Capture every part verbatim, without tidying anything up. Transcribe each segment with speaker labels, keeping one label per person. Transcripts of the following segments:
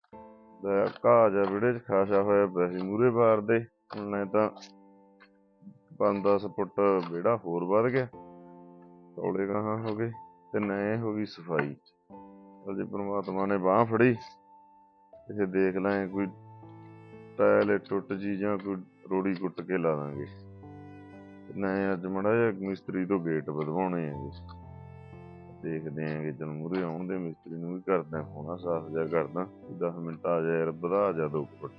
Speaker 1: ਘਾਹ ਜਿਹਾ ਵਿਹੜੇ 'ਚ ਖਾਸਾ ਹੋਇਆ ਪਿਆ ਸੀ ਮੂਹਰੇ ਬਾਰ ਦੇ। ਹੁਣ ਨਹੀਂ ਤਾਂ ਪੰਜ ਦਸ ਫੁੱਟ ਵਿਹੜਾ ਹੋਰ ਵੱਧ ਗਿਆ, ਤੌਲੇ ਗਾਹਾਂ ਹੋ ਗਏ ਤੇ ਨਏ ਹੋ ਗਈ ਸਫਾਈ। ਜੇ ਪ੍ਰਮਾਤਮਾ ਨੇ ਬਾਂਹ ਫੜੀ ਇਹ ਦੇਖ ਲੈ ਕੋਈ ਟਾਇਲ ਟੁੱਟ ਜੀ ਜਾਂ ਕੋਈ ਰੋੜੀ ਕੁੱਟ ਕੇ ਲਾ ਦਾਂਗੇ। ਨਏ ਅੱਜ ਮਾੜਾ ਜਿਹਾ ਮਿਸਤਰੀ ਤੋਂ ਗੇਟ ਵਧਵਾਉਣੇ ਹੈਗੇ, ਦੇਖਦੇ ਆਂਗੇ। ਚਲ ਮੂਹਰੇ ਆਉਣ ਦੇ ਮਿਸਤਰੀ ਨੂੰ ਵੀ ਕਰਦਾ ਫੋਨ, ਸਾਫ਼ ਜਿਹਾ ਕਰਦਾ, ਦਸ ਮਿੰਟ ਆ ਜਾ ਯਾਰ ਵਧਾ ਜਾ ਦੋ ਫੁੱਟ।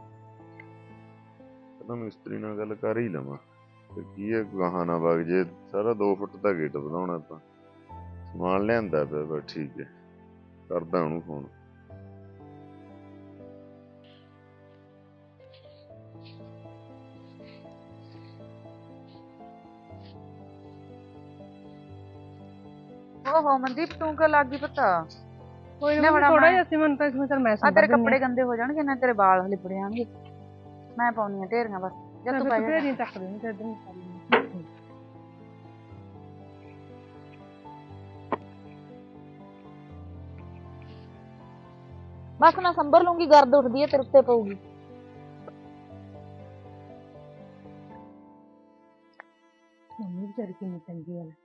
Speaker 1: ਕਹਿੰਦਾ ਮਿਸਤਰੀ ਨਾਲ ਗੱਲ ਕਰ ਹੀ ਲਵਾਂ ਤੇ ਕੀ ਹੈ, ਗਾਹਾਂ ਨਾ ਵਗ ਜੇ। ਸਾਰਾ ਦੋ ਫੁੱਟ ਦਾ ਗੇਟ ਵਧਾਉਣਾ ਆਪਾਂ, ਸਮਾਨ ਲਿਆਂਦਾ ਪਿਆ ਬਸ। ਠੀਕ ਹੈ, ਕਰਦਾ ਉਹਨੂੰ ਫੋਨ।
Speaker 2: ਓਹੋ ਮਨਦੀਪ, ਤੂੰ ਕਿਉਂ ਲੱਗ ਗਈ ਪਤਾ?
Speaker 3: ਕੋਈ ਨਾ ਥੋੜਾ ਜਿਹਾ ਸੀ, ਮਨ ਤਾਂ ਇਸ ਚਲ ਮੈਂ
Speaker 2: ਆ ਤੇਰੇ ਕੱਪੜੇ ਗੰਦੇ ਹੋ ਜਾਣਗੇ ਨਾ, ਤੇਰੇ ਵਾਲ ਲਿਬੜ ਜਾਣਗੇ। ਮੈਂ ਪਾਉਣੀ ਆ ਢੇਰੀਆਂ ਬਸ। ਜਦ ਤੂੰ ਪੈ ਜਾ
Speaker 3: ਢੇਰੀਆਂ ਚੱਕ ਦੇ ਤੇ ਇਧਰ
Speaker 2: ਬਸ ਮੈਂ ਸੰਭਰ ਲੂੰਗੀ, ਗਰਦ ਉੱਠਦੀ ਹੈ ਤੇਰੇ ਉੱਤੇ ਪਊਗੀ।
Speaker 3: ਮੰਮੀ ਵਿਚਾਰੀ ਕਿੰਨੀ ਚੰਗੀ ਹੈ।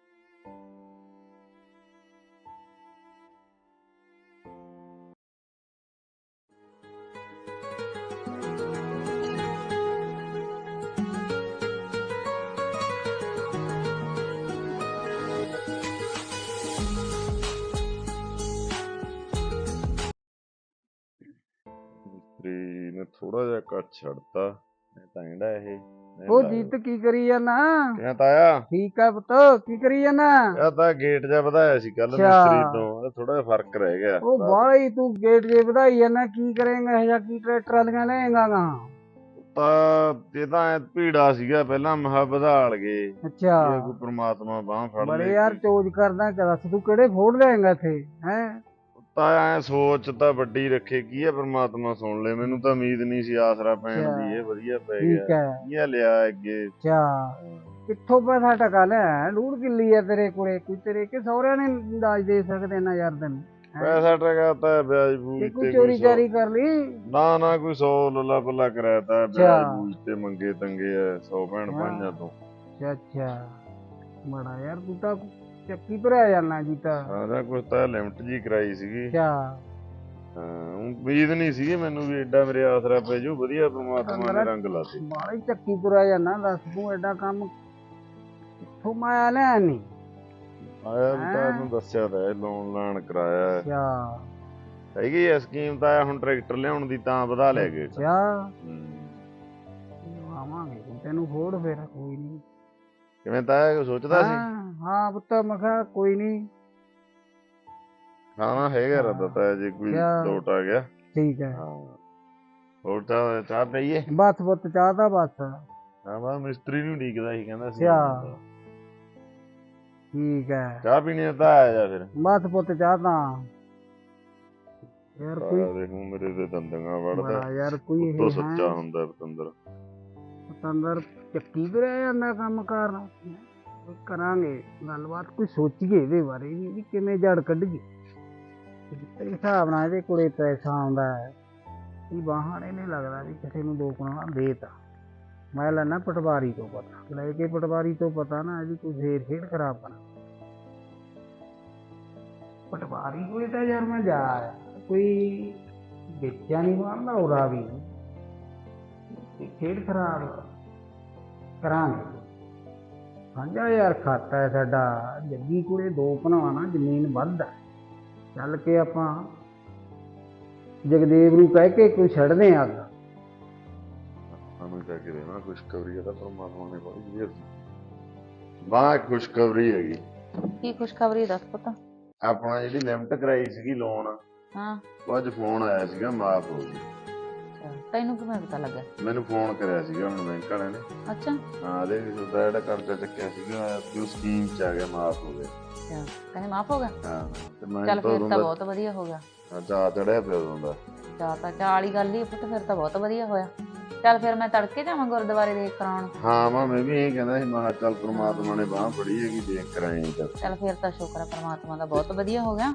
Speaker 1: ਮਿਸਤਰੀ ਨੇ ਥੋੜਾ ਜਿਹਾ ਕੱਟ ਛੱਡਤਾ, ਨਹੀਂ ਤਾਂ ਇਹਦਾ ਇਹ
Speaker 4: ਉਹ ਜੀਤ ਕੀ ਕਰੀ ਜਾਨਾ?
Speaker 1: ਕਿਹਾ ਤਾਇਆ
Speaker 4: ਠੀਕ ਆ ਪੁੱਤ, ਕੀ ਕਰੀ ਜਾਨਾ?
Speaker 1: ਇਹ ਤਾਂ ਗੇਟ ਜਿਹਾ ਵਧਾਇਆ ਸੀ ਕੱਲ ਮਿਸਤਰੀ ਤੋਂ, ਥੋੜਾ ਜਿਹਾ ਫਰਕ ਰਹਿ ਗਿਆ।
Speaker 4: ਉਹ ਬਾਹਲੀ ਤੂੰ ਗੇਟ ਜੇ ਵਧਾਈ ਜਾਨਾ, ਕੀ ਕਰੇਂਗਾ ਇਹ ਜਾਂ ਕੀ ਟਰੈਕਟਰ ਵਾਲੀਆਂ ਲਏਗਾ ਗਾ?
Speaker 1: ਤਾਂ ਇਹ ਤਾਂ ਭੀੜਾ ਸੀਗਾ ਪਹਿਲਾਂ, ਮਹਾ ਵਧਾ ਲਗੇ।
Speaker 4: ਅੱਛਾ,
Speaker 1: ਕੋਈ ਪ੍ਰਮਾਤਮਾ ਬਾਂਹ ਫੜ ਲੈ।
Speaker 4: ਬੜੇ ਯਾਰ ਚੋਜ ਕਰਦਾ, ਦੱਸ ਤੂੰ ਕਿਹੜੇ ਫੋੜ ਲਏਗਾ ਇੱਥੇ ਹੈ?
Speaker 1: ਤਾਂ ਐ ਸੋਚ ਤਾਂ ਵੱਡੀ ਰੱਖੇ, ਕੀ ਹੈ ਪ੍ਰਮਾਤਮਾ ਸੁਣ ਲੈ। ਮੈਨੂੰ ਤਾਂ ਉਮੀਦ ਨਹੀਂ ਸੀ ਆਸਰਾ ਪੈਣ ਦੀ, ਇਹ ਵਧੀਆ ਪੈ ਗਿਆ।
Speaker 4: ਠੀਕ ਹੈ,
Speaker 1: ਕੀ ਲਿਆ ਅੱਗੇ?
Speaker 4: ਅੱਛਾ ਕਿੱਥੋਂ ਪੈਸਾ ਟਕਾ ਲਿਆ? ਡੂੜ ਕਿੱਲੀ ਆ ਤੇਰੇ ਕੋਲੇ, ਕੋਈ ਤੇਰੇ ਕਿ ਸਹੁਰਿਆਂ ਨੇ ਦਾਜ ਦੇ ਸਕਦੇ ਨਾ ਯਾਰ ਤੈਨੂੰ?
Speaker 1: ਪੈਸਾ ਟਕਾ ਤਾਂ ਵਿਆਜ ਬੂਜ
Speaker 4: ਕੋਈ ਚੋਰੀ ਚਾਰੀ ਕਰ ਲਈ?
Speaker 1: ਨਾ ਨਾ ਕੋਈ ਸੌ ਲੱਲਾ ਪੱਲਾ ਕਰਾਇਆ ਤਾਂ ਵਿਆਜ ਬੂਜ ਤੇ ਮੰਗੇ ਤੰਗੇ ਆ ਸੌ ਭੈਣ ਭਾਈਆਂ ਤੋਂ।
Speaker 4: ਅੱਛਾ ਅੱਛਾ, ਬੜਾ ਯਾਰ ਤੂੰ ਤਾਂ ਚੱਕੀ ਭਰਿਆ ਜਾਨਾ ਜੀ ਤਾਂ।
Speaker 1: ਹਾਂ ਕੁਛ ਤਾਂ ਲਿਮਟ ਜੀ ਕਰਾਈ ਸੀਗੀ।
Speaker 4: ਅੱਛਾ
Speaker 1: ਹਾਂ, ਉਮੀਦ ਨਹੀਂ ਸੀ ਮੈਨੂੰ ਵੀ ਐਡਾ ਮੇਰੇ ਆਸਰਾ ਪੈ ਜੂ। ਵਧੀਆ ਪ੍ਰਮਾਤਮਾ ਨੇ ਰੰਗ ਲਾਤੇ।
Speaker 4: ਬਾਹਲੀ ਚੱਕੀ ਤੁਰਿਆ ਜਾਨਾ, ਦੱਸ ਤੂੰ ਐਡਾ ਕੰਮ ਕਿੱਥੋਂ ਮਾਇਆ ਲਿਆ ਨੀ?
Speaker 1: ਆਇਆ ਵੀ ਤਾਂ ਤੁਹਾਨੂੰ ਦੱਸਿਆ ਤਾਂ ਲੋਨ ਲਾਣ ਕਰਾਇਆ।
Speaker 4: ਅੱਛਾ
Speaker 1: ਹੈਗੀ ਆ ਸਕੀਮ ਤਾਂ ਆਇਆ ਹੁਣ ਟਰੈਕਟਰ ਲਿਆਉਣ ਦੀ, ਤਾਂ ਵਧਾ ਲੈ ਗਏ।
Speaker 4: ਅੱਛਾ ਆਵਾਂਗੇ ਤੈਨੂੰ ਫੋੜ ਫਿਰ, ਕੋਈ ਨੀ।
Speaker 1: ਕਿਵੇਂ ਤਾਂ ਸੋਚਦਾ ਸੀ?
Speaker 4: ਹਾਂ ਪੁੱਤ ਮੈਂ ਕਿਹਾ ਕੋਈ ਨੀ,
Speaker 1: ਖਾਣਾ ਹੈਗਾ ਰੱਦਾ ਤਾਂ ਜੇ ਕੋਈ ਲੋਟ ਆ ਗਿਆ।
Speaker 4: ਠੀਕ ਹੈ।
Speaker 1: ਹੋਰ ਚਾਹ ਚਾਹ ਪਈਏ?
Speaker 4: ਬਸ ਪੁੱਤ ਚਾਹ ਤਾਂ ਬਸ।
Speaker 1: ਹਾਂ ਬਸ ਮਿਸਤਰੀ ਨੂੰ ਢੀਕਦਾ ਸੀ, ਕਹਿੰਦਾ ਸੀ
Speaker 4: ਠੀਕ ਹੈ।
Speaker 1: ਚਾਹ ਪੀਣੀ ਤਾਂ ਆ ਜਾ ਫਿਰ।
Speaker 4: ਬਸ ਪੁੱਤ ਚਾਹ ਤਾਂ ਯਾਰ ਕੋਈ
Speaker 1: ਦੇਖੂ ਮੇਰੇ ਤੇ ਦੰਦਗਾ ਵੜਦਾ
Speaker 4: ਯਾਰ, ਕੋਈ
Speaker 1: ਉੱਤੋਂ ਸੱਚਾ ਹੁੰਦਾ ਪਤੰਦਰ।
Speaker 4: ਪਤੰਦਰ ਚੱਕੀ ਤੇ ਰਹਿ ਜਾਂਦਾ ਕੰਮ ਕਰਨਾ। ਕਰਾਂਗੇ ਗੱਲਬਾਤ, ਕੋਈ ਸੋਚੀਏ ਇਹਦੇ ਬਾਰੇ ਵੀ ਕਿਵੇਂ ਜੜ ਕੱਢੀਏ। ਤੇਰੇ ਹਿਸਾਬ ਨਾਲ ਇਹਦੇ ਕੋਲੇ ਪੈਸਾ ਆਉਂਦਾ ਹੈ, ਇਹ ਬਾਹਰ ਇਹ ਨਹੀਂ ਲੱਗਦਾ ਵੀ ਕਿਸੇ ਨੂੰ ਦੋ ਕਨਾਲਾਂ ਦੇ ਤਾ। ਮੈਂ ਲੈਣਾ ਪਟਵਾਰੀ ਤੋਂ ਪਤਾ, ਲੈ ਕੇ ਪਟਵਾਰੀ ਤੋਂ ਪਤਾ ਨਾ ਇਹਦੀ ਕੋਈ ਫੇਰ ਖੇਡ ਖਰਾਬ ਕਰਾਂ। ਪਟਵਾਰੀ ਕੋਲੇ ਤਾਂ ਯਾਰ ਮੈਂ ਜਾ ਆਇਆ, ਕੋਈ ਵੇਚਿਆ ਨਹੀਂ ਮਾਰਦਾ ਉਹਦਾ ਵੀ ਖੇਡ ਖਰਾਬ ਕਰਾਂਗੇ। ਸਾਂਝਾ ਯਾਰ ਖਾਤਾ ਹੈ ਸਾਡਾ, ਜੱਗੀ ਕੋਲੇ ਦੋ ਭਰਾਵਾਂ ਨਾਲ ਜ਼ਮੀਨ ਵੱਧ ਹੈ। ਚੱਲ ਕੇ ਆਪਾਂ ਜਗਦੇਵ ਨੂੰ ਕਹਿ ਕੇ ਕੋਈ ਛੱਡਦੇ ਅੱਗ।
Speaker 1: ਸਾਨੂੰ ਕਹਿ ਕੇ ਦੇਣਾ ਖੁਸ਼ਖਬਰੀ ਹੈ ਤਾਂ ਪਰਮਾਤਮਾ ਨੇ ਬੜੀ ਵਧੀਆ ਬਾਹ ਖੁਸ਼ਖਬਰੀ ਹੈਗੀ।
Speaker 2: ਕੀ ਖੁਸ਼ਖਬਰੀ ਦੱਸ ਪਤਾ?
Speaker 1: ਆਪਣਾ ਜਿਹੜੀ ਲਿਮਟ ਕਰਾਈ ਸੀਗੀ ਲੋਨ,
Speaker 2: ਹਾਂ
Speaker 1: ਅੱਜ ਫੋਨ ਆਇਆ ਸੀਗਾ ਮਾਫ ਹੋ ਗਈ।
Speaker 2: ਤੈਨੂੰ ਕਿਵੇਂ ਪਤਾ ਲੱਗਾ?
Speaker 1: ਮੈਨੂੰ ਫੋਨ ਕਰਿਆ ਸੀਗਾ ਹੁਣ ਬੈਂਕ ਵਾਲਿਆਂ ਨੇ।
Speaker 2: ਅੱਛਾ
Speaker 1: ਹਾਂ, ਦੇ ਜਿਹੜਾ ਕਰਜ਼ਾ ਚੱਕਿਆ ਸੀਗਾ ਉਹ ਸਕੀਮ ਚ ਆ ਗਿਆ, ਮਾਫ ਹੋ ਗਿਆ।
Speaker 2: ਅੱਛਾ ਕਹਿੰਦੇ ਮਾਫ ਹੋ ਗਿਆ?
Speaker 1: ਹਾਂ ਤੇ ਮੈਂ
Speaker 2: ਚੱਲ ਫਿਰ ਤਾਂ ਬਹੁਤ ਵਧੀਆ ਹੋ ਗਿਆ।
Speaker 1: ਚਾਅ ਚੜਿਆ ਪਿਆ ਉਦੋਂ ਦਾ।
Speaker 2: ਚਾਹ ਤਾਂ ਚਾਹ ਵਾਲੀ ਗੱਲ ਹੀ ਪੁੱਤ, ਫਿਰ ਤਾਂ ਬਹੁਤ ਵਧੀਆ ਹੋਇਆ। ਚੱਲ ਫਿਰ ਮੈਂ ਤੜਕੇ ਜਾਵਾਂ ਗੁਰਦੁਆਰੇ ਦੇਖ ਕਰਾਉਣ।
Speaker 1: ਹਾਂ ਮੈਂ ਮੈਂ ਵੀ ਇਹ ਕਹਿੰਦਾ ਸੀ, ਮੈਂ ਕਿਹਾ ਚੱਲ ਪ੍ਰਮਾਤਮਾ ਨੇ ਬਾਂਹ ਫੜੀ ਹੈਗੀ, ਦੇਖ ਕਰਾਏ।
Speaker 2: ਚੱਲ ਫਿਰ ਤਾਂ ਸ਼ੁਕਰ ਹੈ ਪ੍ਰਮਾਤਮਾ ਦਾ, ਬਹੁਤ ਵਧੀਆ ਹੋ ਗਿਆ।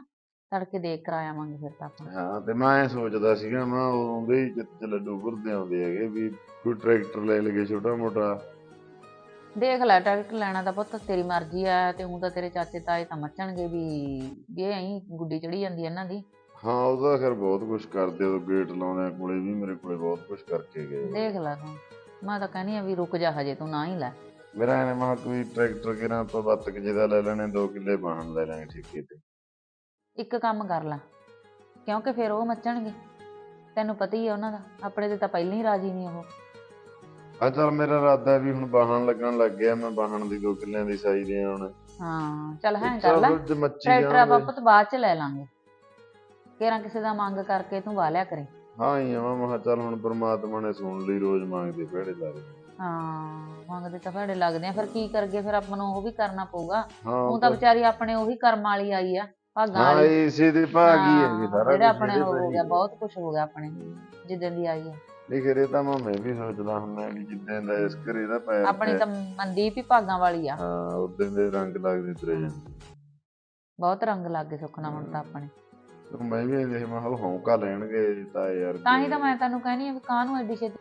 Speaker 2: ਤੜਕੇ ਦੇਖ ਕਰ ਆਵਾਂਗੇ ਫਿਰ ਤਾਂ ਆਪਾਂ।
Speaker 1: ਹਾਂ ਤੇ ਮੈਂ ਐ ਸੋਚਦਾ ਸੀਗਾ ਮੈਂ ਆਉਂਦੇ ਹੀ ਜਿੱਥੇ ਲੱਡੂ ਭੁਰਦੇ ਆਉਂਦੇ ਹੈਗੇ ਵੀ ਕੋਈ ਟਰੈਕਟਰ ਲੈ ਲਈਏ ਛੋਟਾ ਮੋਟਾ।
Speaker 2: ਦੇਖ ਲੈ ਟਰੈਕਟਰ ਲੈਣਾ ਤਾਂ ਪੁੱਤ ਤੇਰੀ ਮਰਜ਼ੀ ਆ, ਤੇ ਊਂ ਤਾਂ ਤੇਰੇ ਚਾਚੇ ਤਾਏ ਤਾਂ ਮੱਚਣਗੇ ਵੀ ਵੀ ਇਹ ਐਂ ਗੁੱਡੀ ਚੜੀ ਜਾਂਦੀ ਇਹਨਾਂ ਦੀ।
Speaker 1: ਹਾਂ ਉਹਦਾ ਖੈਰ ਬਹੁਤ ਕੁਛ ਕਰਦੇ ਉਹ ਗੇਟ ਲਾਉਂਦੇ ਕੋਲੇ ਵੀ ਮੇਰੇ ਕੋਲੇ ਬਹੁਤ ਕੁਛ ਕਰਕੇ ਗਏ।
Speaker 2: ਦੇਖ ਲੈ ਤੂੰ, ਮੈਂ ਤਾਂ ਕਹਿੰਦੀ ਆ ਵੀ ਰੁਕ ਜਾ ਹਜੇ ਤੂੰ ਨਾ ਹੀ ਲੈ।
Speaker 1: ਮੇਰਾ ਐ ਮੈਂ ਕੋਈ ਟਰੈਕਟਰ ਕਿਰਾਂ ਆਪਾਂ ਬੱਤ ਕੁ ਜਿਹਦਾ ਲੈ ਲੈਣੇ, ਦੋ ਕਿੱਲੇ ਬਾਹਣ ਲੈ ਲੈਣੇ ਠੇਕੇ ਤੇ।
Speaker 2: ਇੱਕ ਕੰਮ ਕਰ ਲੈ, ਕਿਉਂਕਿ ਫਿਰ ਉਹ ਮੱਚਣਗੇ, ਤੈਨੂੰ ਪਤਾ ਹੀ ਆ ਉਹਨਾਂ ਦਾ, ਆਪਣੇ ਤੇ ਤਾਂ ਪਹਿਲਾਂ ਹੀ ਰਾਜੀ ਨਹੀਂ ਉਹ।
Speaker 1: ਆ ਚੱਲ ਮੇਰਾ ਇਰਾਦਾ ਵੀ ਹੁਣ ਬਾਹਣ ਲੱਗਣ ਲੱਗ ਗਿਆ, ਮੈਂ ਬਾਹਣ ਦੀ ਦੋ ਕਿੱਲਿਆਂ ਦੀ ਸਾਈ ਦੇ ਹੁਣ।
Speaker 2: ਹਾਂ ਚੱਲ ਹੈਂ ਕਰ ਲੈ, ਟਰੈਕਟਰ ਆਪਾਂ ਪੁੱਤ ਬਾਅਦ ਚ ਲੈ ਲਾਂਗੇ, ਕਿਹੜਾ ਕਿਸੇ ਦਾ ਮੰਗ ਕਰਕੇ ਤੂੰ ਵਾਹ ਲਿਆ ਕਰੇ।
Speaker 1: ਹਾਂ ਹੀ ਆ ਮੈਂ ਕਿਹਾ ਚੱਲ ਹੁਣ ਪਰਮਾਤਮਾ ਨੇ ਸੁਣ ਲਈ, ਰੋਜ਼ ਮੰਗਦੇ ਭੇੜੇ ਲੱਗਦੇ।
Speaker 2: ਹਾਂ ਮੰਗਦੇ ਤਾਂ ਭੇੜੇ ਲੱਗਦੇ ਆ, ਫਿਰ ਕੀ ਕਰਗੇ, ਫਿਰ ਆਪਾਂ ਨੂੰ ਉਹ ਵੀ ਕਰਨਾ ਪਊਗਾ।
Speaker 1: ਹਾਂ
Speaker 2: ਉਹ ਤਾਂ ਵਿਚਾਰੀ ਆਪਣੇ ਉਹੀ ਕਰਮ ਵਾਲੀ ਆਈ ਆ, ਭਾਗਾਂ
Speaker 1: ਹਾਂ
Speaker 2: ਵਾਲੀ।
Speaker 1: ਇਸੇ ਦੇ ਭਾਗ ਹੀ ਹੈ
Speaker 2: ਹਾਂ,
Speaker 1: ਸਾਰਾ
Speaker 2: ਜਿਹੜਾ
Speaker 1: ਕੁਛ
Speaker 2: ਆਪਣੇ
Speaker 1: ਇਹਦੇ
Speaker 2: ਉਹ ਹੋ
Speaker 1: ਭਾਗ
Speaker 2: ਗਿਆ,
Speaker 1: ਹੀ।
Speaker 2: ਬਹੁਤ ਕੁਛ ਹੋ ਗਿਆ ਆਪਣੇ ਜਿੱਦਣ ਦੀ ਆਈ ਆ।
Speaker 1: ਨਹੀਂ ਖਰੇ ਤਾਂ ਮੈਂ ਮੈਂ ਵੀ ਸੋਚਦਾ ਹੁੰਦਾ ਵੀ ਜਿੱਦਾਂ ਦਾ ਇਸ ਘਰੇ ਦਾ ਪੈਰ
Speaker 2: ਆਪਣੀ
Speaker 1: ਪਿਆ,
Speaker 2: ਤਾਂ ਮਨਦੀਪ ਹੀ ਭਾਗਾਂ ਵਾਲੀ ਆ।
Speaker 1: ਹਾਂ ਉਦੋਂ ਦੇ ਰੰਗ ਲੱਗਦੇ ਤੁਰੇ ਜਾਂਦੇ।
Speaker 2: ਬਹੁਤ ਰੰਗ ਲੱਗ ਗਏ ਸੁੱਖ ਨਾਲ ਹੁਣ ਤਾਂ ਆਪਣੇ।
Speaker 1: ਮੈਂ ਵੀ ਦੇਖ ਮੈਂ ਕਿਹਾ ਹੌਂਕਾ ਲੈਣਗੇ ਤਾਂ ਯਾਰ।
Speaker 2: ਤਾਂ ਹੀ ਤਾਂ ਮੈਂ ਤੈਨੂੰ ਕਹਿਣੀ ਆ ਵੀ ਕਾਹਨੂੰ ਐਡੀ ਛੇਤੀ।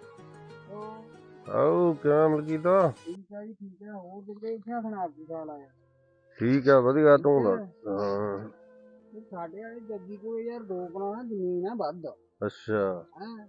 Speaker 5: ਆਓ ਕਿਵੇਂ ਮਲਕੀਤ?
Speaker 4: ਠੀਕ ਆ ਜੀ ਠੀਕ ਆ। ਹੋਰ ਜਿਹੜੇ ਇੱਥੇ ਸੁਣਾ ਕੀ ਹਾਲ ਆ?
Speaker 5: ਠੀਕ ਆ ਵਧੀਆ, ਤੂੰ ਦੱਸ? ਹਾਂ
Speaker 4: ਇਹ ਸਾਡੇ ਵਾਲੇ ਜੱਗੀ ਕੋਲ ਯਾਰ ਦੋ ਕਨਾਲਾਂ ਜ਼ਮੀਨ ਆ ਵੱਧ।
Speaker 5: ਅੱਛਾ
Speaker 4: ਹੈਂ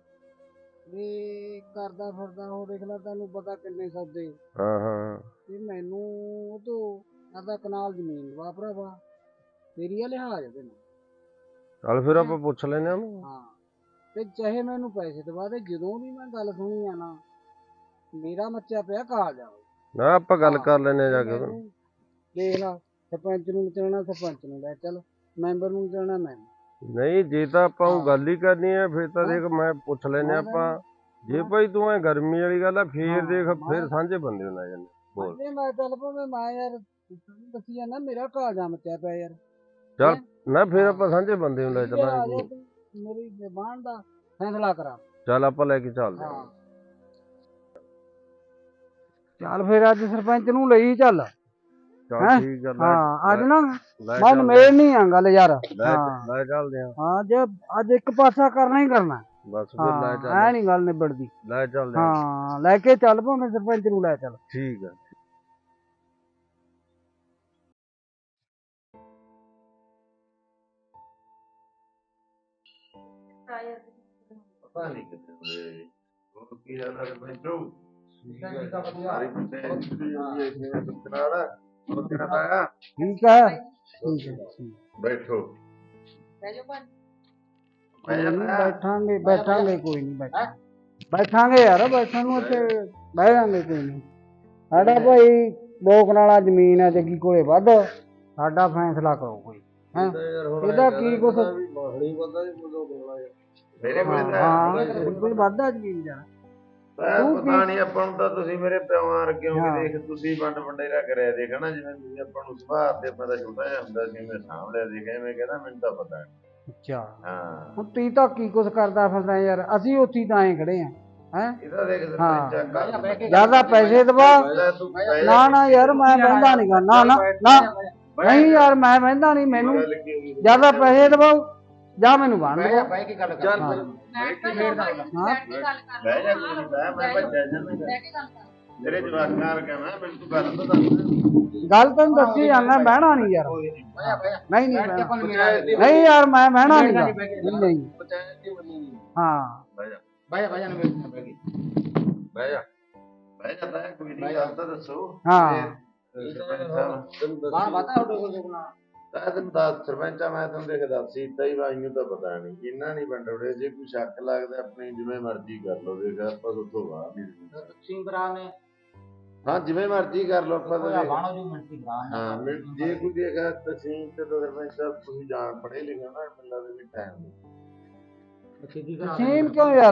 Speaker 4: ਵੀ ਕਰਦਾ ਫਿਰਦਾ ਉਹ ਦੇਖ ਲੈ, ਤੈਨੂੰ ਪਤਾ ਕਿੰਨੇ ਸੌਦੇ।
Speaker 5: ਹਾਂ ਹਾਂ
Speaker 4: ਤੇ ਮੈਨੂੰ ਉਹ ਤੋਂ ਆਦਾ ਕਨਾਲ ਜ਼ਮੀਨ ਵਾ ਭਰਾਵਾ, ਤੇਰੀ ਆ ਲਿਹਾਜ਼ ਉਹਦੇ ਨਾਲ।
Speaker 5: ਚੱਲ ਫਿਰ ਆਪਾਂ ਪੁੱਛ ਲੈਨੇ ਉਹਨੂੰ।
Speaker 4: ਹਾਂ ਤੇ ਚਾਹੇ ਮੈਨੂੰ ਪੈਸੇ ਦਵਾ ਦੇ, ਜਦੋਂ ਵੀ ਮੈਂ ਗੱਲ ਸੁਣੀ ਆ ਨਾ ਮੇਰਾ ਮੱਚਾ ਪਿਆ ਕਾਲ ਜਾਓ
Speaker 5: ਨਾ ਆਪਾਂ ਗੱਲ ਕਰ ਲੈਨੇ ਜਾ ਕੇ ਉਹਨੂੰ।
Speaker 4: ਦੇਖ ਲਾ, ਸਰਪੰਚ ਨੂੰ ਚਲਣਾ ਸਰਪੰਚ ਨੂੰ ਲੈ ਚੱਲ, ਮੈਂਬਰ ਨੂੰ ਚਲਣਾ ਮੈਂ।
Speaker 5: ਨਹੀਂ ਜੇ ਤਾਂ ਆਪਾਂ ਉਹ ਗੱਲ ਹੀ ਕਰਨੀ ਹੈ ਫਿਰ ਤਾਂ ਦੇਖ ਮੈਂ ਪੁੱਛ ਲੈਨੇ ਆਪਾਂ। ਜੇ ਭਾਈ ਤੂੰ ਐ ਗਰਮੀ ਵਾਲੀ ਗੱਲ ਆ ਫੇਰ ਦੇਖ ਫਿਰ ਸਾਂਝੇ ਬੰਦੇ ਨੂੰ ਲੈ ਜਾਂਦੇ। ਬੋਲ
Speaker 4: ਮੈਂ ਚੱਲ ਭਾਵੇਂ ਮੈਂ ਯਾਰ ਦੱਸੀ ਜਾਂਦਾ ਮੇਰਾ ਕਾਲ ਜਾ ਮੱਚਿਆ ਪਿਆ ਯਾਰ।
Speaker 5: ਚੱਲ ਨਾ ਫਿਰ ਆਪਾਂ ਸਾਂਝੇ ਬੰਦੇ ਨੂੰ ਲੈ ਚੱਲਾਂਗੇ।
Speaker 4: ਮੇਰੀ ਜ਼ਬਾਨ ਦਾ ਫੈਸਲਾ ਕਰਾ।
Speaker 5: ਚੱਲ ਆਪਾਂ ਲੈ ਕੇ ਚੱਲਦੇ
Speaker 4: ਹਾਂ ਚੱਲ ਫਿਰ ਅੱਜ ਸਰਪੰਚ ਨੂੰ ਲਈ ਚੱਲ।
Speaker 5: ਚੱਲ ਠੀਕ ਆ।
Speaker 4: ਹਾਂ ਅੱਜ ਨਾ
Speaker 5: ਲੈ
Speaker 4: ਮਨ ਮੇਲ ਨਹੀਂ ਆ ਗੱਲ ਯਾਰ।
Speaker 5: ਲੈ ਚੱਲਦੇ ਆ।
Speaker 4: ਹਾਂ ਜੇ ਅੱਜ ਇੱਕ ਪਾਸਾ ਕਰਨਾ ਹੀ ਕਰਨਾ
Speaker 5: ਬਸ ਫਿਰ ਲੈ ਚੱਲ।
Speaker 4: ਐ ਨੀ ਗੱਲ ਨਿਬੜਦੀ।
Speaker 5: ਲੈ ਚੱਲਦੇ
Speaker 4: ਹਾਂ ਲੈ ਕੇ ਚੱਲ ਭਾਵੇਂ ਸਰਪੰਚ ਨੂੰ ਲੈ ਚੱਲ।
Speaker 5: ਠੀਕ ਆ।
Speaker 1: ਪਤਾ ਨਹੀਂ ਕਿੱਥੇ ਹੋਏ। ਹੋਰ ਕੀ ਹਾਲ ਹੈ ਬੈਠੋ? ਸਾਰੀ ਬੰਦੇ ਕਨਾੜਾ ਹੋਰ ਕਿਹੜਾ ਆਇਆ?
Speaker 4: ਠੀਕ ਹੈ ਠੀਕ ਹੈ
Speaker 1: ਬੈਠੋ
Speaker 4: ਬੈਠਾਂਗੇ ਬੈਠਾਂਗੇ ਕੋਈ ਨਹੀਂ ਬੈਠਾ ਬੈਠਾਂਗੇ ਯਾਰ, ਬੈਠਣ ਨੂੰ ਉੱਥੇ ਬਹਿ ਜਾਾਂਗੇ ਕੋਈ ਨਹੀਂ। ਸਾਡਾ ਭਾਈ ਦੋ ਕਨਾਲਾਂ ਜ਼ਮੀਨ ਹੈ ਜੱਗੀ ਕੋਲੇ ਵੱਧ, ਸਾਡਾ ਫੈਸਲਾ ਕਰੋ ਕੋਈ। ਹੈਂ ਇਹਦਾ ਕੀ ਕੁਛ
Speaker 1: ਮੇਰੇ ਕੋਲ
Speaker 4: ਹਾਂ ਮੇਰੇ ਕੋਲ ਵੱਧ ਆ ਜ਼ਮੀਨ ਯਾਰ।
Speaker 1: ਪਤਾ ਨਹੀਂ ਆਪਾਂ ਨੂੰ ਤਾਂ ਤੁਸੀਂ ਮੇਰੇ ਪਿਓਾਂ ਵਰਗੇ ਹੋ, ਦੇਖ ਤੁਸੀਂ ਵੰਡ ਵੰਡੇਰਾ ਕਰਿਆ ਦੇਖ ਨਾ, ਜਿਵੇਂ ਤੁਸੀਂ ਆਪਾਂ ਨੂੰ ਸੁਭਾਅ ਤੇ ਆਪਾਂ ਦਾ ਛੋਟਾ ਜਿਹਾ ਹੁੰਦਾ ਸੀ ਮੈਂ ਸਾਂਭ ਲਿਆ ਦੇਖ, ਐਵੇਂ ਕਹਿੰਦਾ ਮੈਨੂੰ ਤਾਂ ਪਤਾ ਨਹੀਂ।
Speaker 4: ਅੱਛਾ
Speaker 1: ਹਾਂ
Speaker 4: ਹੁਣ ਤੀ ਤਾਂ ਕੀ ਕੁਛ ਕਰਦਾ ਫਿਰਦਾ ਯਾਰ, ਅਸੀਂ ਉੱਥੇ ਤਾਂ ਐਂ ਖੜੇ ਆ। ਹੈਂ
Speaker 1: ਇਹਦਾ ਦੇਖ ਸਰਪੰਚ
Speaker 4: ਜਿਆਦਾ ਪੈਸੇ ਦਵਾ ਨਾ ਨਾ ਯਾਰ ਮੈਂ ਬਹਿੰਦਾ ਨੀ ਗਾ, ਨਾ ਨਾ ਨਾ ਨਹੀਂ ਯਾਰ ਮੈਂ ਬਹਿੰਦਾ ਨੀ, ਮੈਨੂੰ ਜਿਆਦਾ ਪੈਸੇ ਦਵਾਓ ਜਾਂ ਮੈਨੂੰ ਬਣ ਦਵਾਓ।
Speaker 1: ਬਹਿ ਕੇ ਗੱਲ ਕਰ।
Speaker 4: ਹਾਂ
Speaker 1: ਬਹਿ ਜਾ ਕੋਈ ਨਹੀਂ, ਬਹਿ ਮੈਂ ਭੱਜਿਆ ਜਾਂਦਾ ਤੇਰੇ ਜਵਾਕਾਂ ਵਰਗਾ ਮੈਂ, ਮੈਨੂੰ ਤੂੰ ਗੱਲ ਤਾਂ ਦੱਸ।
Speaker 4: ਗੱਲ ਤੈਨੂੰ ਦੱਸੀ ਜਾਂਦਾ, ਬਹਿਣਾ ਨਹੀਂ ਯਾਰ। ਨਹੀਂ ਨਹੀਂ ਬਹਿਣਾ ਨਹੀਂ ਯਾਰ, ਮੈਂ ਬਹਿਣਾ ਨੀ ਗਾ। ਨਹੀਂ ਹਾਂ
Speaker 1: ਬਹਿ ਜਾ ਬਹਿ ਜਾ ਬਹਿ ਜਾ ਬਹਿ ਜਾ ਬਹਿ ਜਾ ਬਹਿ ਕੋਈ ਨਹੀਂ, ਗੱਲ ਤਾਂ ਦੱਸੋ।
Speaker 4: ਹਾਂ
Speaker 1: ਬਾਹਰ ਪਤਾ ਉਹਦੇ ਕੋਲ ਤਾਂ ਤੈਨੂੰ ਦੱਸ ਸਰਪੰਚਾ ਮੈਂ ਤੈਨੂੰ ਦੇਖ ਦੱਸ ਸੀਤਾ ਹੀ ਬਾਈ ਨੂੰ ਤਾਂ ਪਤਾ ਨਹੀਂ, ਇਹਨਾਂ ਨਹੀਂ ਵੰਡੋੜੇ। ਜੇ ਕੋਈ ਸ਼ੱਕ ਲੱਗਦਾ ਆਪਣੀ ਜਿਵੇਂ ਮਰਜ਼ੀ ਕਰ ਲਓ, ਦੇਖ ਆਪਾਂ ਉੱਥੋਂ ਬਾਹਰ ਨਹੀਂ
Speaker 4: ਸਿੰਗਰਾ ਨੇ।
Speaker 1: ਹਾਂ ਜਿਵੇਂ ਮਰਜ਼ੀ ਕਰ ਲਓ ਆਪਾਂ ਤਾਂ। ਹਾਂ ਜੇ ਕੋਈ ਦੇਖਾ ਤਸੀਮ ਤੇ ਤਾਂ ਸਰਪੰਚ ਸਾਹਿਬ ਤੁਸੀਂ ਜਾਣ ਪੜੇ ਲਿਖਿਆ ਨਾ, ਮਿਲਦਾ ਦੇ ਵੀ ਟਾਈਮ
Speaker 4: ਸੀਮ ਕਿਉਂ ਯਾਰ?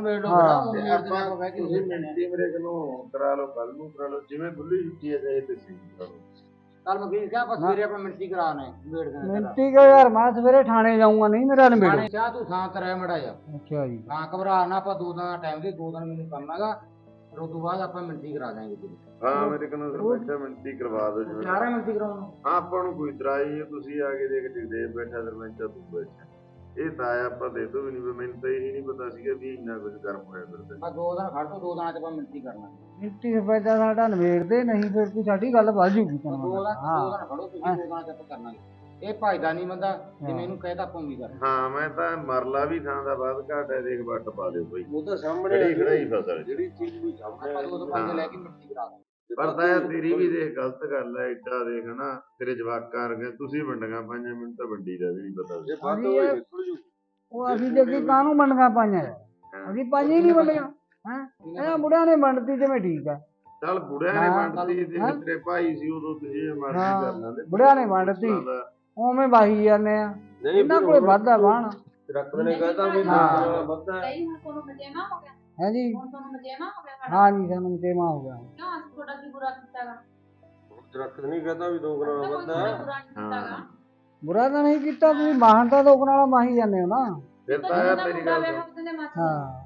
Speaker 1: ਤੁਸੀਂ ਮਿੰਟੀ ਮੇਰੇ ਕੋਲੋਂ ਕਰਾ ਲਓ, ਕੱਲ ਨੂੰ ਕਰਾ ਲਓ, ਜਿਵੇਂ ਖੁੱਲੀ ਛੁੱਟੀ ਹੈ ਚਾਹੇ ਤਸੀਮ ਕਰੋ।
Speaker 4: ਕੱਲ ਮੈਂ ਵੀ ਕਿਹਾ ਆਪਾਂ ਸਵੇਰੇ ਆਪਾਂ ਮਿੰਟੀ ਕਰਾਣੇ ਮਿੰਟੀ ਕਿਉਂ ਯਾਰ? ਮੈਂ ਸਵੇਰੇ ਥਾਣੇ ਜਾਊਂਗਾ, ਨਹੀਂ ਮੇਰਾ ਨਿਬੇੜੋ।
Speaker 6: ਚਾਹ ਤੂੰ ਥਾਂ ਕਰਾਇਆ ਮੜਾ ਜਾ।
Speaker 4: ਅੱਛਾ ਜੀ
Speaker 6: ਹਾਂ ਘਬਰਾ ਨਾ, ਆਪਾਂ ਦੋ ਦਿਨ ਦਾ ਟਾਈਮ ਦੇ, ਦੋ ਦਿਨ ਮੈਨੂੰ ਕੰਮ ਹੈਗਾ
Speaker 4: ਫਿਰ ਉਸ ਤੋਂ ਬਾਅਦ ਆਪਾਂ ਮਿੰਟੀ ਕਰਾ ਦਾਂਗੇ ਜੀ।
Speaker 1: ਹਾਂ ਮੇਰੇ ਕੋਲ ਸਰਪੰਚਾ ਮਿੰਟੀ ਕਰਵਾ ਦਿਓ ਜਿਵੇਂ
Speaker 4: ਤਿਆਰ ਹੈ ਮਿੰਟੀ ਕਰਾਉਣ ਨੂੰ?
Speaker 1: ਹਾਂ ਆਪਾਂ ਨੂੰ ਕੋਈ ਤਰਾਈ ਹੈ, ਤੁਸੀਂ ਆ ਕੇ ਦੇਖ ਜਗਦੇਵ ਬੈਠਾ ਸਰਪੰਚਾ ਤੂੰ ਬੈਠਾ, ਇਹ ਤਾਂ ਆਇਆ ਆਪਾਂ ਦੇ ਦੋ ਵੀ ਨਹੀਂ, ਮੈਨੂੰ ਤਾਂ ਇਹ ਨਹੀਂ ਪਤਾ ਸੀਗਾ ਵੀ ਇੰਨਾ ਕੁਝ ਗਰਮ ਹੋਇਆ ਫਿਰਦਾ।
Speaker 4: ਮੈਂ ਦੋ ਦਿਨ ਖੜ ਤੋਂ ਦੋ ਦਿਨਾਂ ਚ ਆਪਾਂ ਮਿੰਟੀ ਕਰਨਾ। ਮਿੰਟੀ ਸਰਪੰਚਾ ਸਾਡਾ ਨਵੇੜਦੇ ਨਹੀਂ, ਫਿਰ ਕੋਈ ਸਾਡੀ ਗੱਲ ਵੱਧ ਜੂਗੀ। ਦੋ ਦਿਨ ਦੋ ਦਿਨ ਖੜੋ ਤੁਸੀਂ, ਦੋ ਦਿਨਾਂ ਚ ਆਪਾਂ ਕਰਨਾ। ਇਹ ਭਾਈਦਾ ਨਹੀਂ ਬੰਦਾ, ਜਿਵੇਂ ਇਹਨੂੰ ਕਹਿਤਾ ਆਪਾਂ ਵੀ ਕਰ।
Speaker 1: ਹਾਂ ਮੈਂ ਤਾਂ ਮਰਲਾ ਵੀ ਥਾਂ ਦਾ ਬਾਅਦ ਘਾਟ ਹੈ, ਦੇਖ ਵੱਟ ਪਾ ਦਿਓ ਬਈ,
Speaker 5: ਉਹ ਤਾਂ ਸਾਹਮਣੇ
Speaker 1: ਖੜੀ ਖੜਾਈ ਫਸਲ
Speaker 5: ਜਿਹੜੀ ਚੀਜ਼ ਕੋਈ ਸਾਹਮਣੇ
Speaker 4: ਆਪਾਂ ਦੋ ਦੋ ਬੰਦੇ ਲੈ ਕੇ ਮਿੰਟੀ ਕਰਾ ਦਾਂਗੇ।
Speaker 1: ਪਰ ਤਾਂ ਯਾਰ ਤੇਰੀ ਵੀ ਦੇਖ ਗਲਤ ਗੱਲ ਹੈ, ਏਡਾ ਦੇਖ ਨਾ ਤੇਰੇ ਜਵਾਕਾਂ ਵਰਗੇ ਤੁਸੀਂ ਵੰਡੀਆਂ ਪਾਈਆਂ, ਮੈਨੂੰ ਤਾਂ ਵੰਡੀ ਦਾ ਵੀ ਨਹੀਂ ਪਤਾ ਸੀ।
Speaker 5: ਜੇ ਵੱਧ ਹੋਏ ਨਿਕਲ ਜੂ।
Speaker 4: ਉਹ ਅਸੀਂ ਜੇ ਕਾਹਨੂੰ ਮੰਡੀਆਂ ਪਾਈਆਂ, ਅਸੀਂ ਪਾਈਆਂ ਹੀ ਨਹੀਂ ਮੰਡੀਆਂ। ਹੈ ਇਹਨਾਂ ਬੁੜਿਆਂ ਨੇ ਵੰਡਤੀ ਜਿਵੇਂ ਠੀਕ ਆ।
Speaker 1: ਚੱਲ ਬੁੜਿਆਂ ਨੇ ਵੰਡਤੀ, ਦੇਖ ਤੇਰੇ ਭਾਈ ਸੀ ਉਦੋਂ ਤੁਸੀਂ ਮਰਜ਼ੀ ਕਰ ਲੈਂਦੇ,
Speaker 4: ਬੁੜਿਆਂ ਨੇ ਵੰਡਤੀ ਉਵੇਂ ਵਾਹੀ ਜਾਂਦੇ ਆ।
Speaker 5: ਨਹੀਂ
Speaker 4: ਇਹਨਾਂ ਕੋਲੇ ਵਾਧਾ ਬਾਣ
Speaker 5: ਰੱਖਦੇ ਨੇ ਕਹਤਾ ਵੀ ਵੱਧਾ
Speaker 2: ਨਹੀਂ ਹੁਣ ਤੁਹਾਨੂੰ ਮਜੇਮਾ ਹੋ ਗਿਆ,
Speaker 4: ਹੈ ਜੀ।
Speaker 2: ਹੁਣ ਤੁਹਾਨੂੰ ਮਜੇਮਾ ਹੋ ਗਿਆ ਸਾਡਾ।
Speaker 4: ਹਾਂ ਜੀ ਸਾਨੂੰ ਤੇਮਾ ਹੋ ਗਿਆ।
Speaker 2: ਕਿਉਂ ਅਸੀਂ ਤੁਹਾਡਾ ਕੀ ਬੁਰਾ ਕੀਤਾਗਾ?
Speaker 5: ਰੱਖਦੇ ਨਹੀਂ ਕਹਤਾ ਵੀ ਦੋ ਗਣਾ
Speaker 2: ਕੋਈ
Speaker 5: ਵੱਧਾ।
Speaker 2: ਤੁਹਾਡਾ ਬੁਰਾ ਨਹੀਂ ਕੀਤਾਗਾ।
Speaker 4: ਬੁਰਾ ਤਾਂ ਨਹੀਂ ਕੀਤਾ, ਤੁਸੀਂ ਮਾਹਣ ਤਾਂ ਲੋਕ ਨਾਲ ਮਾਹੀ ਜਾਂਦੇ ਹੋ ਨਾ।
Speaker 1: ਫਿਰ ਤਾਂ ਯਾਰ ਮੇਰੀ ਗੱਲ ਸੁਣ।
Speaker 4: ਹਾਂ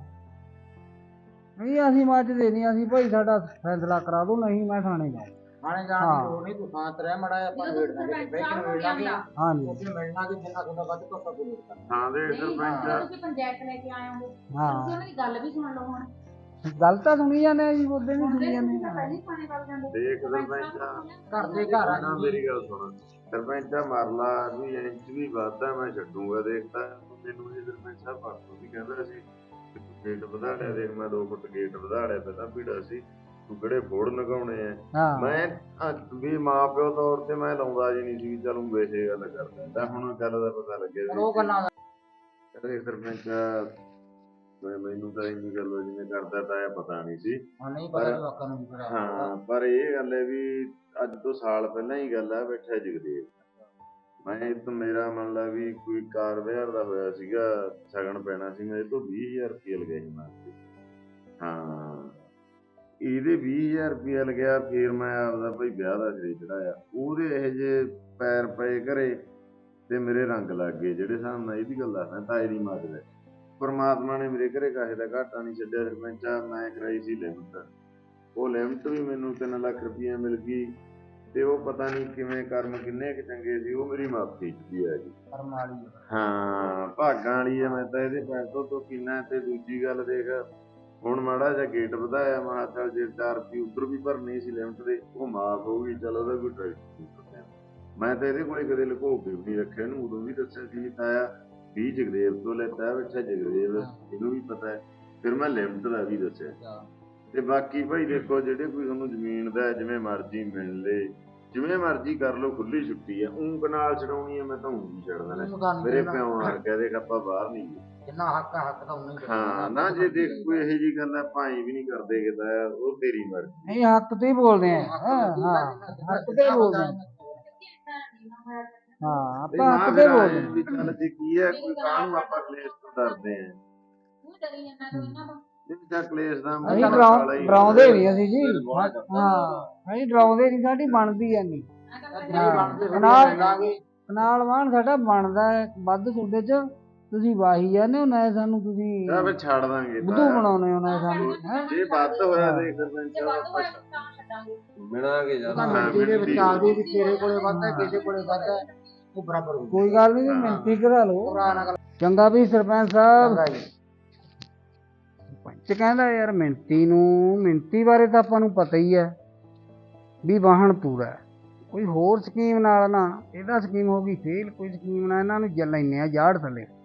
Speaker 4: ਨਹੀਂ ਅਸੀਂ ਮੱਚਦੇ ਨਹੀਂ, ਅਸੀਂ ਭਾਈ ਸਾਡਾ ਫੈਸਲਾ ਕਰਾ ਦੋ, ਨਹੀਂ ਮੈਂ ਥਾਣੇ ਜਾਊਂ। ਥਾਣੇ ਜਾਣ ਦੀ ਲੋੜ ਨਹੀਂ, ਤੂੰ ਸ਼ਾਂਤ ਰਹਿ ਮੜਾ, ਆਪਾਂ ਵੇੜ ਦਾਂਗੇ, ਬੈਠ ਕੇ ਵੇੜ ਦਾਂਗੇ। ਹਾਂ ਜੀ ਉੱਥੇ ਮਿਲਣਾ ਕਿ ਜਿੰਨਾ ਤੁਹਾਡਾ ਵੱਧ ਤੋਂ ਵੱਧ ਵੇੜ ਦਾਂਗੇ।
Speaker 1: ਹਾਂ ਦੇ ਸਰਪੰਚ
Speaker 2: ਤੁਸੀਂ ਪੰਚਾਇਤ ਲੈ ਕੇ ਆਏ ਹੋ,
Speaker 4: ਹਾਂ
Speaker 2: ਤੁਸੀਂ ਉਹਨਾਂ ਦੀ ਗੱਲ ਵੀ ਸੁਣ ਲਓ। ਹੁਣ
Speaker 4: ਗੱਲ ਤਾਂ ਸੁਣੀ ਜਾਂਦੇ ਆ ਜੀ, ਉਹਦੇ ਨਹੀਂ ਸੁਣੀ ਜਾਂਦੇ।
Speaker 2: ਪਹਿਲੀ ਖਾਣੇ ਵੱਲ ਜਾਂਦੇ
Speaker 1: ਦੇਖ ਸਰਪੰਚਾ
Speaker 4: ਘਰ ਦੇ ਘਰ ਆ
Speaker 1: ਨਾ ਮੇਰੀ ਗੱਲ ਸੁਣ, ਸਰਪੰਚਾ ਮਰਲਾ ਵੀ ਇੰਚ ਵੀ ਵਾਧਾ ਮੈਂ ਛੱਡੂਗਾ, ਦੇਖਦਾ ਮੈਨੂੰ ਇਹ ਸਰਪੰਚ ਸਾਹਿਬ ਪਰਸੋਂ ਵੀ ਕਹਿੰਦਾ ਸੀ ਗੇਟ ਵਧਾ ਲਿਆ, ਦੇਖ ਮੈਂ ਦੋ ਫੁੱਟ ਗੇਟ ਵਧਾ ਲਿਆ, ਪਹਿਲਾਂ ਭੀੜਾ ਸੀ, ਤੂੰ ਕਿਹੜੇ ਫੋੜ ਲਗਾਉਣੇ ਆ। ਮੈਂ ਵੀ ਮਾਂ ਪਿਓ ਤੌਰ ਤੇ ਮੈਂ ਲਾਉਂਦਾ ਜੀ ਨਹੀਂ ਸੀ ਵੀ ਚਲੂੰ ਵੇਸੇ ਗੱਲ ਕਰ ਦਿੰਦਾ, ਹੁਣ ਗੱਲ ਦਾ ਪਤਾ ਲੱਗਿਆ
Speaker 4: ਉਹ ਗੱਲਾਂ ਦਾ
Speaker 1: ਕਹਿੰਦੇ ਸਰਪੰਚ ਮੈਂ ਮੈਨੂੰ ਤਾਂ ਇੰਨੀ ਗੱਲ ਜਿਵੇਂ ਕਰਦਾ ਤਾਂ ਪਤਾ ਨਹੀਂ ਸੀ।
Speaker 4: ਨਹੀਂ ਪਤਾ ਜਵਾਕਾਂ ਨੂੰ ਵੀ ਪਤਾ।
Speaker 1: ਹਾਂ ਪਰ ਇਹ ਗੱਲ ਹੈ ਵੀ ਅੱਜ ਤੋਂ ਸਾਲ ਪਹਿਲਾਂ ਹੀ ਗੱਲ ਆ, ਬੈਠਾ ਜਗਦੇਵ ਮੈਂ ਇੱਕ ਮੇਰਾ ਮੰਨ ਲਾ ਵੀ ਕੋਈ ਕਾਰ ਵਿਹਾਰ ਦਾ ਹੋਇਆ ਸੀਗਾ, ਸ਼ਗਨ ਪੈਣਾ ਸੀ, ਮੇਰੇ ਤੋਂ ਵੀਹ ਹਜ਼ਾਰ ਰੁਪਇਆ ਲਗਿਆ ਸੀ ਮਾਸਤੇ। ਹਾਂ ਇਹਦੇ ਵੀਹ ਹਜ਼ਾਰ ਰੁਪਇਆ ਲਗਿਆ, ਫਿਰ ਮੈਂ ਆਪਦਾ ਭਾਈ ਵਿਆਹ ਦਾ ਸਿਰੇ ਚੜਾਇਆ, ਉਹਦੇ ਇਹੋ ਜਿਹੇ ਪੈਰ ਪਏ ਘਰੇ ਤੇ ਮੇਰੇ ਰੰਗ ਲੱਗ ਗਏ, ਜਿਹੜੇ ਹਿਸਾਬ ਨਾਲ ਇਹਦੀ ਗੱਲ ਦੱਸਦਾ ਤਾਏ ਦੀ ਮਦਦ ਹੈ। ਪਰਮਾਤਮਾ ਨੇ ਮੇਰੇ ਘਰੇ ਕਾਹੇ ਦਾ ਘਾਟਾ ਨਹੀਂ ਛੱਡਿਆ ਸਰਪੰਚਾ, ਮੈਂ ਕਰਾਈ ਸੀ ਲਿਮਟ, ਉਹ ਲਿਮਟ ਵੀ ਮੈਨੂੰ ਤਿੰਨ ਲੱਖ ਰੁਪਈਆ ਮਿਲ ਗਈ, ਤੇ ਉਹ ਪਤਾ ਨਹੀਂ ਕਿਵੇਂ ਕਰਮ ਕਿੰਨੇ ਕੁ ਚੰਗੇ ਸੀ, ਉਹ ਮੇਰੀ ਮਾਫੀ ਚ ਆ ਗਈ। ਹਾਂ ਭਾਗਾਂ ਵਾਲੀ ਹੈ, ਮੈਂ ਤਾਂ ਇਹਦੇ ਪੈਸੋਂ ਤੋਂ ਪੀਣਾ। ਤੇ ਦੂਜੀ ਗੱਲ ਦੇਖ, ਹੁਣ ਮਾੜਾ ਜਿਹਾ ਗੇਟ ਵਧਾਇਆ, ਮੈਂ ਚੱਲ ਜੇ ਚਾਰ ਰੁਪਏ ਉੱਧਰ ਵੀ ਭਰਨੀ ਸੀ ਲਿਮਟ ਦੇ, ਉਹ ਮਾਫ ਹੋ ਗਈ, ਚਲ ਉਹਦਾ ਕੋਈ ਟਰੈਕਟਰ। ਮੈਂ ਤਾਂ ਇਹਦੇ ਕੋਲੇ ਕਦੇ ਲੁਕੋ ਕੇ ਵੀ ਨਹੀਂ ਰੱਖਿਆ, ਇਹਨੂੰ ਉਦੋਂ ਵੀ ਦੱਸਿਆ ਸੀ ਤਾਇਆ ਵੀ ਜਗਦੇਵ ਤੋਂ ਲੈਤਾ, ਬੈਠਾ ਜਗਦੇਵ, ਇਹਨੂੰ ਵੀ ਪਤਾ ਹੈ। ਫਿਰ ਮੈਂ ਲਿਮਟ ਦਾ ਵੀ ਦੱਸਿਆ। ਤੇ ਬਾਕੀ ਭਾਈ ਦੇਖੋ, ਜਿਹੜੇ ਕੋਈ ਤੁਹਾਨੂੰ ਜ਼ਮੀਨ ਦਾ ਜਿਵੇਂ ਮਰਜ਼ੀ ਮਿਲ ਲੇ, ਜਿਵੇਂ ਮਰਜ਼ੀ ਕਰ ਲਓ, ਖੁੱਲੀ ਛੁੱਟੀ ਆ, ਊਂ ਕਨਾਲ ਛਡਾਉਣੀ ਆ, ਮੈਂ ਤਾਂ ਊਂ ਵੀ ਛੱਡ ਦੇਣਾ, ਮੇਰੇ ਪਿਓ ਨਾਲ ਕਹਿ ਦੇ ਆਪਾਂ ਬਾਹਰ ਨਹੀਂ ਗਏ,
Speaker 4: ਜਿੰਨਾ ਹੱਕ ਆ ਹੱਕ ਤਾਂ ਉਨਾ ਹੀ।
Speaker 1: ਹਾਂ ਨਾ ਜੇ ਦੇਖ ਕੋਈ ਇਹੋ ਜਿਹੀ ਗੱਲ ਆਪਾਂ ਐਂ ਵੀ ਨਹੀਂ ਕਰਦੇ ਕਿਦਾ, ਉਹ ਤੇਰੀ ਮਰਜ਼ੀ।
Speaker 4: ਨਹੀਂ ਹੱਕ ਤੇ ਹੀ ਬੋਲਦੇ ਆ। ਹਾਂ ਹੱਕ ਤੇ ਬੋਲਦੇ ਆ। ਹਾਂ ਆਪਾਂ ਹੱਕ ਤੇ ਬੋਲਦੇ ਆ।
Speaker 1: ਵੀ ਚੱਲ ਜੇ ਕੀ ਹੈ, ਕੋਈ ਕਾਹਨੂੰ ਆਪਾਂ ਕਲੇਸ਼ ਤੋਂ ਡਰਦੇ ਆ,
Speaker 2: ਤੂੰ ਡਰੀ ਜਾਂਦਾ ਤੂੰ ਇਹਨਾਂ ਤੋਂ।
Speaker 1: ਜਿਹੜਾ ਕਲੇਸ਼ ਦਾ
Speaker 4: ਅਸੀਂ ਡਰਾਉਂਦੇ ਨਹੀਂ ਅਸੀਂ ਜੀ। ਹਾਂ ਅਸੀਂ ਡਰਾਉਂਦੇ ਨਹੀਂ, ਸਾਡੀ ਬਣਦੀ ਐ ਨਹੀਂ। ਕਨਾਲ ਵਾਹਣ ਸਾਡਾ ਬਣਦਾ ਵੱਧ ਤੁਹਾਡੇ ਚ, ਤੁਸੀਂ ਵਾਹੀ ਜਾਂਦੇ ਹੋ ਨਾ, ਸਾਨੂੰ ਤੁਸੀਂ
Speaker 1: ਤਾਂ ਫਿਰ ਛੱਡ ਦਾਂਗੇ,
Speaker 4: ਬੁੱਧੂ ਬਣਾਉਣੇ ਹੋ ਨਾ ਸਾਨੂੰ।
Speaker 1: ਜੇ ਵੱਧ ਹੋਇਆ ਦੇਖ ਸਰਪੰਚ
Speaker 2: ਜੇ ਵੱਧ ਹੋਇਆ ਤਾਂ ਛੱਡਾਂਗੇ।
Speaker 5: ਮਿਲਾਂਗੇ
Speaker 4: ਤਾਂ
Speaker 5: ਜਦ
Speaker 4: ਮਿੰਟੀ ਦੇ ਵਿੱਚ ਆਦੀ ਵੀ ਤੇਰੇ ਕੋਲੇ ਵੱਧਦਾ, ਕਿਸੇ ਕੋਲੇ ਵੱਧਦਾ, ਉਹ ਬਰਾਬਰ ਹੋ। ਕੋਈ ਗੱਲ ਨਹੀਂ, ਮਿੰਟੀ ਕਰਾ ਲਓ। ਚੰਗਾ ਵੀ ਸਰਪੰਚ ਸਾਹਿਬ। ਸਰਪੰਚ ਕਹਿੰਦਾ ਯਾਰ ਮਿੰਟੀ ਨੂੰ, ਮਿੰਟੀ ਬਾਰੇ ਤਾਂ ਆਪਾਂ ਨੂੰ ਪਤਾ ਹੀ ਹੈ ਵੀ ਵਾਹਣ ਪੂਰਾ ਹੈ, ਕੋਈ ਹੋਰ ਸਕੀਮ ਨਾਲ ਨਾ, ਇਹਦਾ ਸਕੀਮ ਹੋ ਗਈ ਫੇਲ, ਕੋਈ ਸਕੀਮ ਨਾਲ ਇਹਨਾਂ ਨੂੰ ਜ ਲੈਂਦੇ ਆ ਜਾੜ ਥੱਲੇ।